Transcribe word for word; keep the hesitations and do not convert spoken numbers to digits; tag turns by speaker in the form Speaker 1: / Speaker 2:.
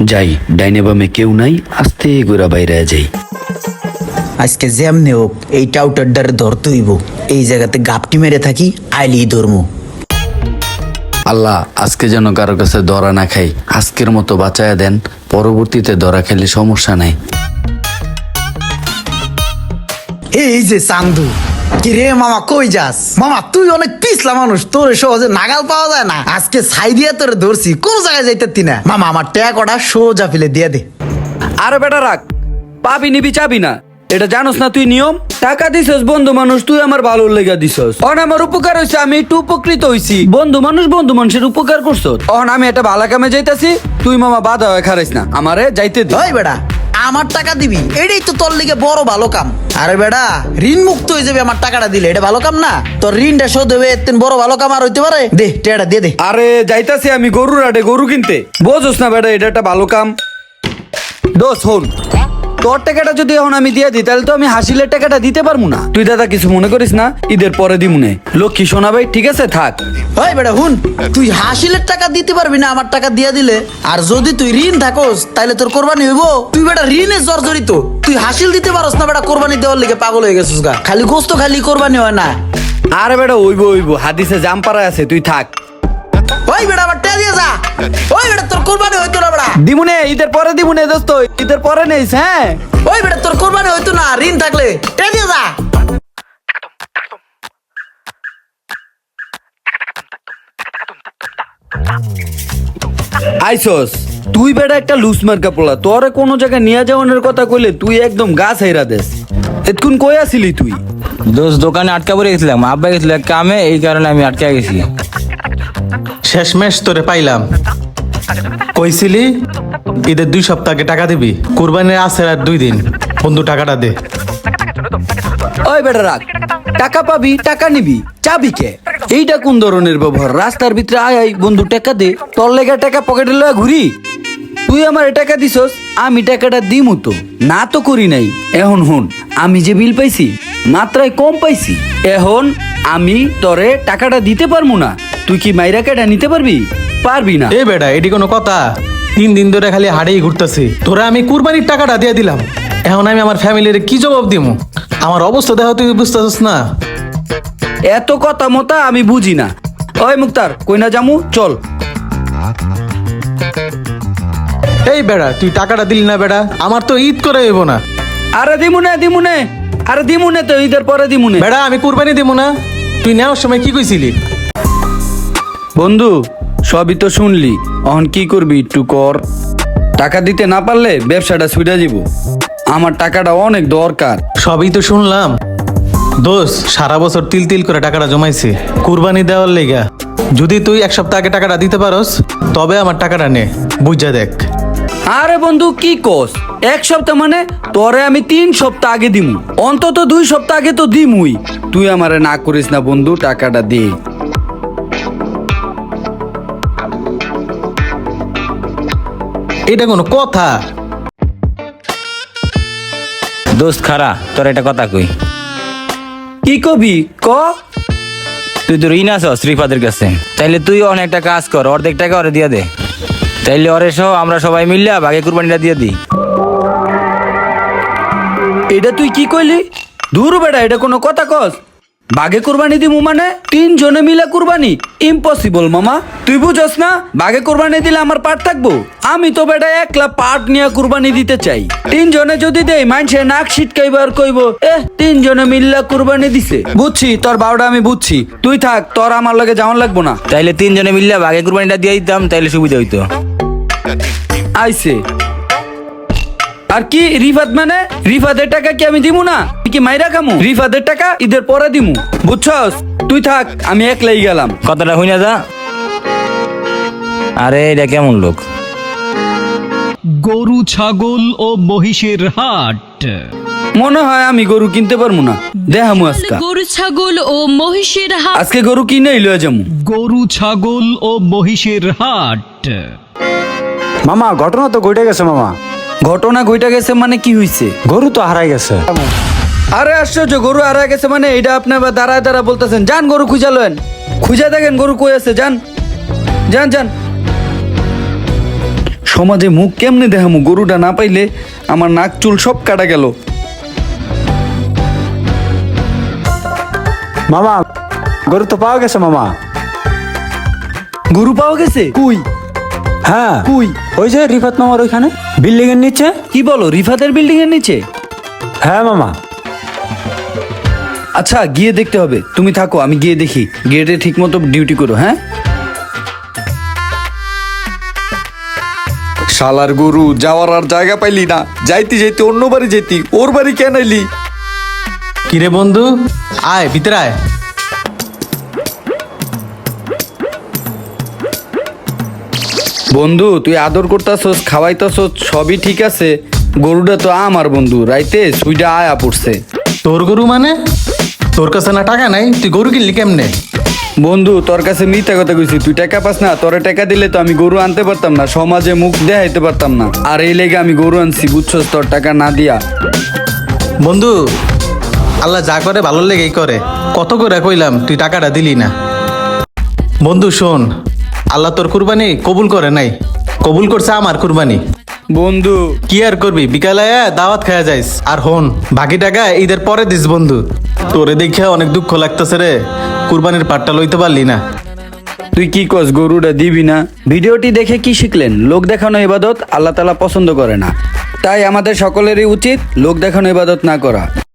Speaker 1: যাই, ডাইনে বামে কেউ নাই, আস্তে গোরা বাইরে যাই।
Speaker 2: আজকে যেমনি হোক এই টাউটার দ্বারে ধরতে হইব। এই জায়গাতে গাপটি মেরে থাকি, আইলি ধর্ম।
Speaker 1: আল্লাহ, আজকে যেন কারো কাছে ধরা না খাই, আজকের মতো বাঁচায়া দেন, পরবর্তীতে ধরা খেলে সমস্যা নাই।
Speaker 2: এই যে চান্দু, কি রে মামা, কই যাস? মামা তুই অনেক পিছলা মানুষ, তোর সহজে নাগাল পাওয়া যায় না। আজকে ছাই দিয়া তোরে ধরছি, কোন জায়গায় যাইতে না। মামা আমার ট্যাগ ওটা সোজা ফেলে দিয়ে দে।
Speaker 3: আরে বেটা রাখ, পাবি নিবি চাবি না, এটা জানোস না তুই নিয়ম? টাকা দিছস বন্ধু মানুষ, তুই আমার ভালো লেগা দিছস। অন আমার উপকার হইছে, আমি একটু উপকৃত হইছি। বন্ধু মানুষ বন্ধু মানুষের উপকার করছস। অন আমি একটা ভালো কামে যাইতাছি, তুই মামা বাধা হয়ে খারাইস না, আমারে যাইতে দে।
Speaker 2: ওই বেটা, আমার টাকা দিবি, এটাই তো তোর লিগে বড় ভালো কাম। আরে বেটা, ঋণ মুক্ত হয়ে যাবে আমার টাকাটা দিলে, এটা ভালো কাম না? তোর ঋণটা শোধ হবে, এর বড় ভালো কাম আর হইতে পারে? দে টেয়াটা দিয়ে দে।
Speaker 3: আরে যাইতাছি আমি গরুর হাটে গরু কিনতে, বোঝোস না বেটা এটা একটা ভালো কাম। দোষ হন, তোর টাকাটা যদি এখন আমি দিয়ে দিই তাহলে তো আমি হাসিলের টাকাটা দিতে পারবো না। তুই দাদা কিছু মনে করিস না, ঈদের পরে দিমুনে। লক্ষ্মী সোনা ভাই ঠিক আছে থাক।
Speaker 2: ওই বেটা হুন, তুই হাসিলের টাকা দিতে পারবি না আমার টাকা দিয়া দিলে। আর যদি তুই ঋণ থাকোস তাহলে তোর কোরবানি হইব। তুই বেটা ঋণে জর্জরিত, তুই হাসিল দিতে পারস না বেটা, কোরবানি দেওয়ার লিগে পাগল হয়ে গেছিস গা। খালি গোস্ত খালি কোরবানি হয় না।
Speaker 3: আরে বেটা ওইব ওইব, হাদিসে জাম পাড়া আছে, তুই থাক।
Speaker 2: ওই বেটা আমার টেয়া দিয়ে যা। ওই বেটা তোর কোরবানি হইতো না বেটা।
Speaker 3: দিমুনে, ঈদের পরে দিমুনে দোস্ত, ঈদের পরে নেইস। হ্যাঁ
Speaker 2: ওই বেটা তোর কোরবানি হইতো না ঋণ থাকলে, টেয়া দিয়ে যা।
Speaker 3: আইসস তুই বেটা একটা লুস মার্কা পোলা, তোরে কোনো জায়গায় নিয়ে যাওয়ানোর কথা কইলে তুই একদম গা ছাইরা দেস। এতক্ষণ কই আসিলি তুই?
Speaker 4: দোষ দোকানে আটকা পড়ে গেছিলাম, আব্বা গেছিল এক কামে, এই কারণে আমি আটকা গেছি।
Speaker 5: শেষমেশ তোরে পাইলাম। কইছিলি ঈদের দুই সপ্তাহ আগে টাকা দিবি, কুরবানির আছে আর দুই দিন। বন্ধু টাকাটা দে।
Speaker 3: ওই বেটা রাখ, টাকা পাবি টাকা নিবি, চাবি কে? এইটা কোন ধরনের ব্যবহার? রাস্তার ভিতরে আয় আয় বন্ধু টাকা দে, তোর লেগে টাকা পকেটে লয়ে ঘুরি? তুই আমার টাকা দিছস, আমি টাকাটা দিমু তো, না তো করি নাই। এখন হুন, আমি যে বিল পাইছি মাত্রায় কম পাইছি, এখন আমি তোরে টাকাটা দিতে পারবো না। তুই কি মাইরা কেটা নিতে পারবি? পারবি না।
Speaker 5: এ বেটা, এটি কোনো কথা? তিন দিন ধরে খালি হাড়েই ঘুরতেছি, তোরা আমি কুরবানির টাকাটা দিয়ে দিলাম, এখন আমি আমার ফ্যামিলির কি জবাব দিমু? আমার অবস্থা দেখো, তুই বুঝতেছিস না?
Speaker 3: এত কথা মতা আমি বুঝি না। ওই মুক্তার, কই না জামু, চল।
Speaker 5: এই বেড়া, তুই টাকাটা দিলি না বেড়া, আমার তো ঈদ করে হইব না।
Speaker 3: আরে দিমুনে দিমুনে, আরে দিমুনে তো, ঈদের পরে দিমুনে।
Speaker 5: বেড়া আমি কুরবানি দিব না। তুই নেওয়ার সময় কি কইছিলি?
Speaker 3: বন্ধু সবই তো শুনলি, অহন কি করবি একটু কর। টাকা দিতে না পারলে ব্যবসাটা ছুটে যাব, আমার টাকাটা অনেক দরকার।
Speaker 5: সবই তো শুনলাম দোষ, সারা বছর তিল তিল করে টাকাটা জমাইছি কুরবানি দেওয়ার লেগা। যদি তুই এক সপ্তাহ আগে টাকাটা দিতে পারস তবে আমার টাকাটা নে, বুঝা দেখ।
Speaker 3: আরে বন্ধু কি কস, এক সপ্তাহ মানে? তোরে আমি তিন সপ্তাহ আগে দিমু, অন্তত দুই সপ্তাহ আগে তো দিমুই। তুই আমারে না করিস না বন্ধু, টাকাটা দে।
Speaker 5: এটা কোনো কথা?
Speaker 4: দোস্ত খারা, তোর একটা কথা কই।
Speaker 3: কি কবি ক?
Speaker 4: তুই তো ঋণ আছো শ্রীপাদের কাছে, তাইলে তুই অনেকটা কাজ কর, অর্ধেক টাকা ওরে দিয়ে দে, তাইলে ওরে সহ আমরা সবাই মিললে বাকি কুরবানিটা দিয়ে দিই।
Speaker 3: এটা তুই কি কইলি? দূর বেটা, এটা কোনো কথা কস? বাগে কুরবানি দিমু মানে? তিন জনে মিলে কুরবানি? ইম্পসিবল মামা, তুই বুঝস না? বাগে কুরবানি দিলে আমার পাট থাকবো? আমি তো বেটা একলা পাট নিয়ে কুরবানি দিতে চাই। তিন জনে যদি দেই মানুষের নাক ছিটকাইবার কইব এ তিন জনে মিল্লা কুরবানি দিছে। বুঝছি তোর বারোটা, আমি বুঝছি, তুই থাক, তোর আমার লগে যাওয়ান লাগবো না।
Speaker 4: তাইলে তিন জনে মিললে বাকি কুরবানিটা দিয়ে দিতাম, তাইলে সুবিধা হইতো।
Speaker 3: আইছে আর কি রিফাত মানে? রিফাতের টাকা কি আমি দিমু না? কি মাইরা খামু? রিফাতের টাকা ঈদের পরে দিমু, বুঝছস? তুই থাক, আমি একলাই গেলাম।
Speaker 4: কথাটা হই না যা। আরে এটা কেমন লোক?
Speaker 6: গরু ছাগল ও মহিষের হাট।
Speaker 3: মনে হয় আমি গরু কিনতে পারবো না, দেখামু আজকে।
Speaker 7: গরু ছাগল ও মহিষের হাট।
Speaker 3: আজকে গরু কিনেই লয়ে যামু।
Speaker 6: গরু ছাগল ও মহিষের হাট।
Speaker 8: মামা ঘটনা তো ঘটে গেছে মামা।
Speaker 3: ঘটনা ঘইটা গেছে মানে কি হইছে?
Speaker 8: গরু তো হারাই গেছে।
Speaker 3: আরে আশ্চর্য, গরু হারা গেছে মানে? এটা আপনি আবার দাঁড়ায় দাঁড়া বলতেছেন? যান গরু খুঁজা লয়েন, খুঁজা দেখেন গরু কই আছে, যান যান যান। সমাজে মুখ কেমনে দেখামু, গরুটা না পাইলে আমার নাক চুল সব কাটা গেল।
Speaker 8: মামা গরু তো পাওয়া গেছে মামা।
Speaker 3: গরু পাওয়া গেছে? কুই
Speaker 8: হ্যাঁ
Speaker 3: কুই
Speaker 8: ওই যে রিফাত মামার ওইখানে বিল্ডিং এর নিচে।
Speaker 3: কি বলো, রিফাতের বিল্ডিং এর নিচে?
Speaker 8: হ্যাঁ মামা।
Speaker 3: আচ্ছা গিয়ে দেখতে হবে, তুমি থাকো আমি গিয়ে দেখি। গেটে ঠিক মতো ডিউটি করো। হ্যাঁ শালার গরু, যাওয়ার আর জায়গা পাইলি না, যাইতে যাইতে অন্য বাড়ি যেতি, ওর বাড়ি কেন আইলি?
Speaker 5: কিরে বন্ধু, আয় ভিতরে আয়।
Speaker 3: বন্ধু তুই আদর করতাছস, খাওয়াইতাছস, সবই ঠিক আছে, গরুটা তো আমার বন্ধু, রাইতে সুইটা আয়া পড়ছে।
Speaker 5: তোর গরু মানে? তোর কাছে না টাকা নাই, তুই গরু কিনলি কেমনে?
Speaker 3: বন্ধু তোর কাছে মিথ্যা কথা কইছি, তুই টাকা পাস না, তোরে টাকা দিলে তো আমি গরু আনতে পারতাম না, সমাজে মুখ দেখাইতে পারতাম না, আর এই লেগে আমি গরু আনছি, বুঝছস, তোর টাকা না দিয়া।
Speaker 5: বন্ধু, আল্লাহ যা করে ভালো লেগেই করে। কত করে কইলাম, তুই টাকাটা দিলি না। বন্ধু শোন, আল্লাহ তোর কুরবানি কবুল করে নাই, কবুল করছে আমার কুরবানি।
Speaker 3: বন্ধু
Speaker 5: কি আর করবি, বিকালে আয়া দাওয়াত খাওয়া যাইস। আর হন, বাকি টাকা ঈদের পরে দিস বন্ধু। তোরে দেখে অনেক দুঃখ লাগতেছে রে, কুরবানির পাটটা লইতে পারলি না।
Speaker 3: তুই কি কস, গরুটা দিবি না? ভিডিওটি দেখে কি শিখলেন? লোক দেখানো ইবাদত আল্লাহ তাআলা পছন্দ করে না, তাই আমাদের সকলেরই উচিত লোক দেখানো ইবাদত না করা।